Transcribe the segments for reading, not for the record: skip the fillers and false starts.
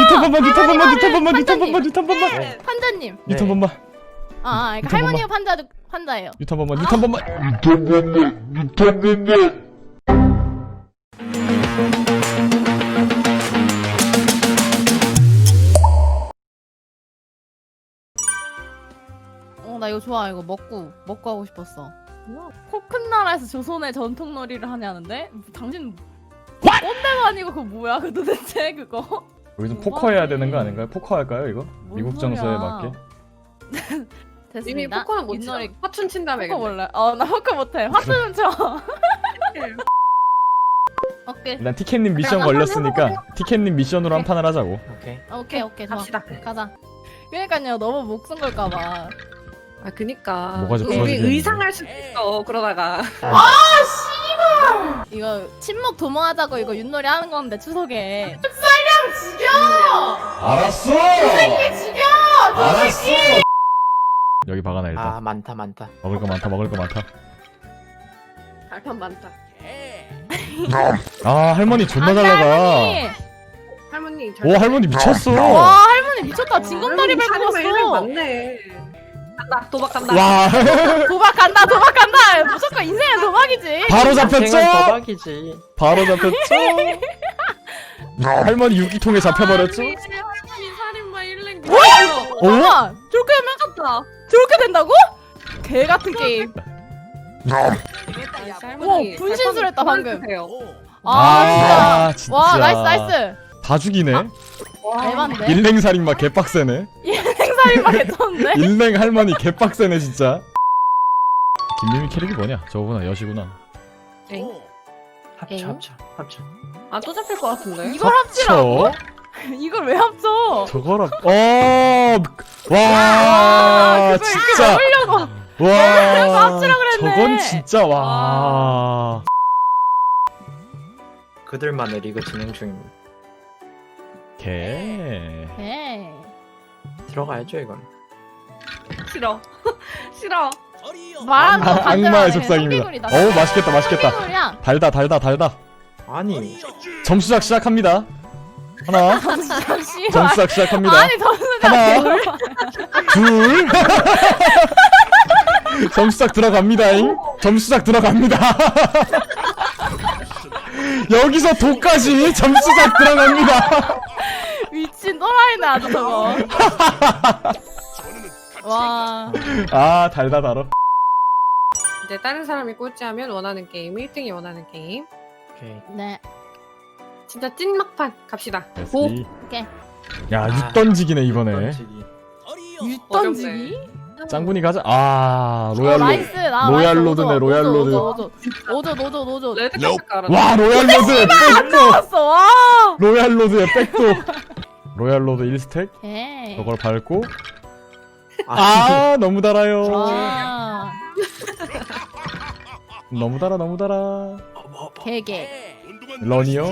뉴턴 번만. 판자님. 뉴턴 번만. 아, 그러니까 뉴턴 할머니가 판자예요. 뉴턴 번만. 나 이거 좋아. 이거 먹고 하고 싶었어. 코 큰 나라에서 조선의 전통놀이를 하냐는데? 당신 꼰대가 아니고 그거 뭐야? 그 도대체 그거? 여기서 포커 해야 되는 거 아닌가요? 포커 할까요 이거? 뭔 미국 정서에 소리야. 맞게. 됐습니다. 이미 포커는 못 쳐. 윷놀이 화춘 친다며. 포커 몰라. 나 포커 못해. 화투는 쳐. 오케이. 일단 티켓님 미션 걸렸으니까 티켓님 미션으로 한 판을 하자고. 오케이. 좋아. 갑시다. 가자. 그러니까요. 너무 목숨 걸까봐. 아 그니까. 뭐가 좀 우리 부러지겠는데. 의상할 수도 있어. 그러다가. 이거 침묵 도모하자고 이거 윷놀이 하는 건데 추석에. 알았어. 여기 박아놔 일단. 아 많다. 먹을 거 많다. 발판 많다. 아 할머니 존나 잘 나가. 할머니. 할머니 잘. 오 할머니 미쳤어. 와 할머니 미쳤다. 징검다리 밟고 밟았어. 왔어. 맞네. 간다. 도박 간다. 와 도박 간다. 무조건 인생은 도박이지. 바로 잡혔죠. 도박이지. 바로 잡혔죠. 할머니 유기통에 잡혀버렸죠. 할머니 살인마 일랭. 잠깐만. 저렇게 하면 미쳤다. 저렇게 된다고? 개 같은 게임. 와 분신술했다 방금. 아 진짜. 와 나이스. 다 죽이네. 대박인데? 일랭살인마 개빡세네. 생살인마 개쳤는데? 일랭 할머니 개빡세네 진짜. 김미미 캐릭이 뭐냐? 저거구나 여시구나. 합쳐. 아또 잡힐 것 같은데. 이걸 합치라고? 저 이걸 왜 합쳐? 저거라. 와 그걸 진짜. 해보려고. 와 합치라 그랬네. 저건 진짜 와. 그들만의 리그 진행 중입니다. 개. 개. 들어가야죠 이건. 싫어. 말하는 거 악마의 속삭입니다. 어우 맛있겠다. 소리야. 달다. 아니 점수작 시작합니다. 하나. 잠시만. 점수작 시작합니다. 아니 점수작. 하나. 둘. 점수작 들어갑니다잉. 점수작 들어갑니다. 여기서 도까지 점수작 들어갑니다. 미친 또라이네 아주 저거. 와. 아 달다 달어. 이제 다른 사람이 꼴찌하면 원하는 게임, 1등이 원하는 게임. 오케이. 네. 진짜 찐 막판 갑시다. 고. 오케이. 야육 던지기네 이번에. 던지기. 윷 던지기? 짱구니 가자. 아 로얄로. 나이스. 로얄로드네, 로얄로드. 오조. 레드 카드 깔아. 와 로얄로드의 백도. 왔어. 와. 로얄로드의 백도. 로얄로드 1스택. 개. 저걸 밟고. 아, 아 너무 달아요. 와. 너무 달아. 개개. 러니요.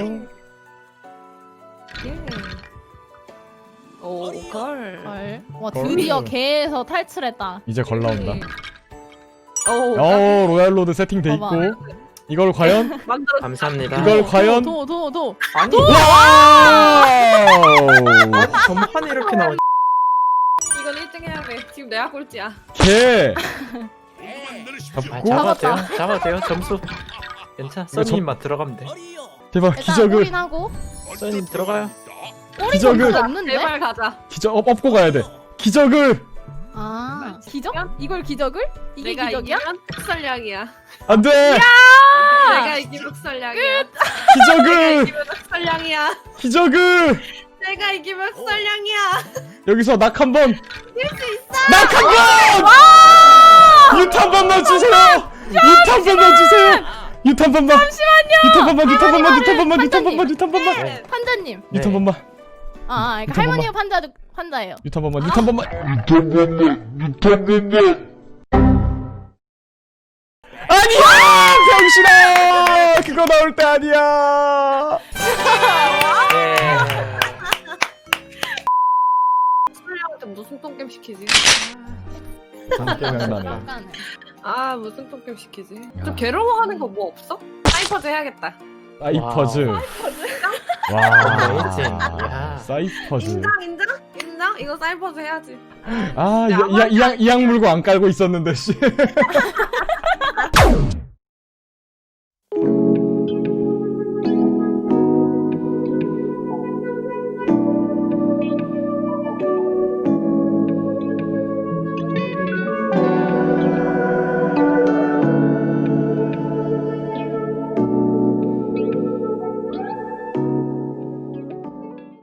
오, 걸. 헐. 와 드디어 개에서 탈출했다. 이제 걸 나온다. 오, 로얄로드 세팅돼 있고. 봐봐. 이걸 과연? 만들어. 감사합니다. 이걸 과연? 도. 아니 와우! 전판이 이렇게 나오지. 이건 1등 해야 돼. 지금 내가 꼴찌야. 개! 아, 잡고 잡아도 돼요. 점수. 괜찮아. 써니만 들어가면 돼. 대박 일단 기적을 올인하고. 써니 들어가요. 올인 기적을. 점수가 없는데? 제발 가자. 기적 업고 가야 돼. 기적을 아 기적? 이걸 기적을? 이게 내가 기적이야? 이기면 흑설량이야. 안돼. 내가 이기면 흑설량이야. 내가 기적을 이기면 흑설량이야. 기적을 내가 이기면 흑설량이야. 여기서 낙 한 번. 이길 수 있어. 낙 한 번. 유탄 번만 주세요. 유탄 번만 주세요. 유탄 번만. 잠시만요. 유탄 번만. 네. 판자님. 유탄 번만. 그러니까 유탄 할머니가 판자예요. 유탄 번만. 아니야 병신아. 그거 나올 때 아니야. 흑설량한테 무슨 똥겜 시키지? 생각나네. 아 무슨 똥겜 시키지? 야. 좀 괴로워하는 거 뭐 없어? 사이퍼즈 해야겠다. 사이퍼즈. 와. 어메이징. 야. 사이퍼즈. 인정 인정? 인정? 이거 사이퍼즈 해야지. 아, 이 약 물고 안 깔고 있었는데 씨.